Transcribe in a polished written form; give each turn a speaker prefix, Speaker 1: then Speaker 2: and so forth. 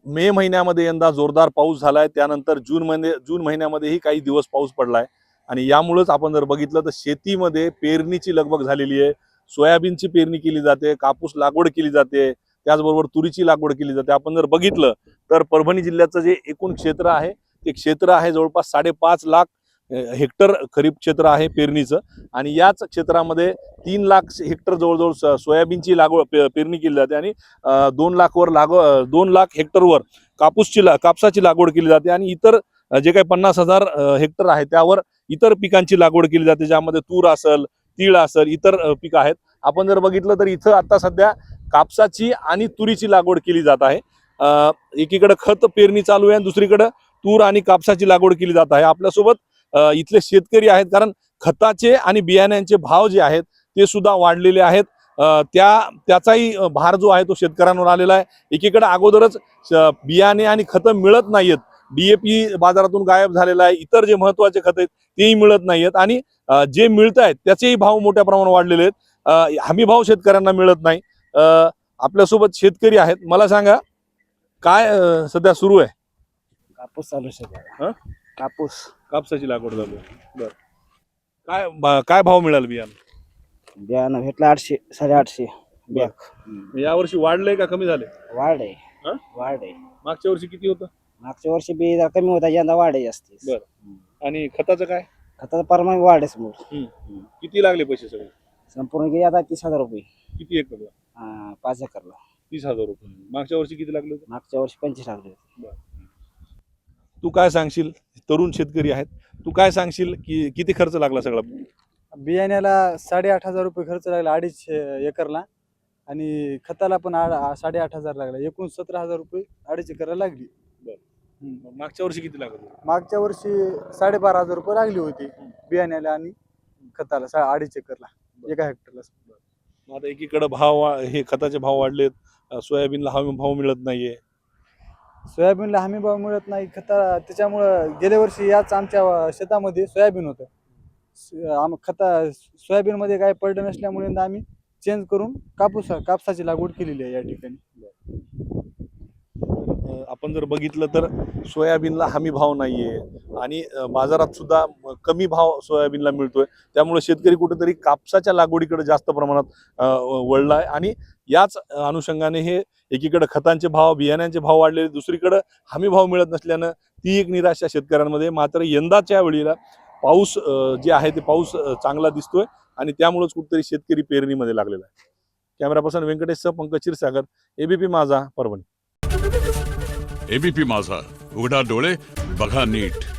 Speaker 1: मे महिन्यामध्ये यंदा जोरदार पाऊस झालाय, त्यानंतर जून महिन्यामध्येही काही दिवस पाऊस पडलाय आणि यामुळेच आपण जर बघितलं तर शेतीमध्ये पेरणीची लगबग झालेली आहे। सोयाबीनची पेरणी केली जाते, कापूस लागवड केली जाते, त्याचबरोबर तुरीची लागवड केली जाते। आपण जर बघितलं तर परभणी जिल्ह्याचं जे एकूण क्षेत्र आहे ते क्षेत्र आहे जवळपास 5.5 लाख हेक्टर खरीप क्षेत्र आहे पेरणीचं आणि याच क्षेत्रामध्ये 3 लाख हेक्टर जवळजवळ सोयाबीनची लागवड पेरणी केली जाते आणि 2 लाख हेक्टरवर कापसाची लागवड केली जाते आणि इतर जे काही 50,000 हेक्टर आहे त्यावर इतर पिकांची लागवड केली जाते, ज्यामध्ये तूर असेल, तीळ असेल, इतर पिकं आहेत। आपण जर बघितलं तर इथं आता सध्या कापसाची आणि तुरीची लागवड केली जात आहे। एकीकडे खत पेरणी चालू आहे आणि दुसरीकडे तूर आणि कापसाची लागवड केली जात आहे। आपल्यासोबत इथले शेतकरी आहेत, कारण खताचे आणि बियाण्यांचे भाव जे आहेत ते सुद्धा वाढलेले आहेत। त्याचाही भार जो आहे तो शेतकऱ्यांवर आलेला आहे। एकीकडे अगोदरच बियाणे आणि खतं मिळत नाहीत, DAP बाजारातून गायब झालेला आहे, इतर जे महत्त्वाचे खत आहेत तेही मिळत नाहीत आणि जे मिळत आहेत त्याचेही भाव मोठ्या प्रमाणावर वाढलेले आहेत। हमी भाव शेतकऱ्यांना मिळत नाही। आपल्यासोबत शेतकरी आहेत, मला सांगा काय सध्या सुरू आहे?
Speaker 2: कापूस चालू आहे।
Speaker 1: कापसाची लागवड चालू आहे। बरं, काय भाव मिळाल बियाणं?
Speaker 2: बियाणं भेटलं 800 850 बॅग।
Speaker 1: यावर्षी वाढलंय का कमी झाले?
Speaker 2: वाढ आहे।
Speaker 1: मागच्या वर्षी किती होतं?
Speaker 2: मागच्या वर्षी बी जरा कमी होता, यंदा वाढ आहे जास्त।
Speaker 1: बरं, आणि खताचं काय?
Speaker 2: खताचा प्रमाण वाढ आहे समोर।
Speaker 1: किती लागले पैसे सगळे?
Speaker 2: संपूर्ण गेले आता 30,000 रुपये।
Speaker 1: किती एकरला?
Speaker 2: 5 एकरला
Speaker 1: 30,000 रुपये। मागच्या वर्षी किती लागले होते?
Speaker 2: मागच्या वर्षी 25 लागले होते।
Speaker 1: तू काय सांगशील? तरुण शेतकरी आहेत, तू काय सांगशील की किती खर्च लागला सगळा?
Speaker 3: बियाण्याला 8,500 रुपये खर्च लागला 2.5 एकरला आणि खताला पण 8,500 लागला, एकूण 17,000 रुपये 2.5 एकरला लागली।
Speaker 1: मागच्या वर्षी किती लागत होते?
Speaker 3: मागच्या वर्षी 12,500 रुपये लागली होती बियाण्याला आणि खताला 2.5 एकरला, एका हेक्टरला।
Speaker 1: आता एकीकडे हे खताचे भाव वाढलेत, सोयाबीनला हमी भाव मिळत नाहीये।
Speaker 3: सोयाबीनला हमी भाव मिळत नाही, त्याच्यामुळं गेल्या वर्षी याच आमच्या शेतामध्ये सोयाबीन होतं। सोयाबीनमध्ये काय पडलं नसल्यामुळे आम्ही चेंज करून कापसाची लागवड केलेली आहे या ठिकाणी।
Speaker 1: आपण जर बघितलं तर सोयाबीनला हमी भाव नाहीये आणि बाजारात सुद्धा कमी भाव सोयाबीनला मिळतोय, त्यामुळे शेतकरी कुठेतरी कापसाच्या लागवडीकडे जास्त प्रमाणात वळलाय आणि याच अनुषंगाने हे एकीकडे खतांचे भाव, बियाण्यांचे भाव वाढले, दुसरीकडे हमी भाव मिळत नसल्यानं ती एक निराशा शेतकऱ्यांमध्ये। मात्र यंदाच्या वेळेला पाऊस जे आहे ते पाऊस चांगला दिसतोय आणि त्यामुळेच कुठेतरी शेतकरी पेरणीमध्ये लागलेला आहे। कॅमेरा पर्सन व्यंकटेशसह पंकज क्षीरसागर, ABP माझा, परभणी।
Speaker 4: ABP माझा, उघडा डोळे बघा नीट।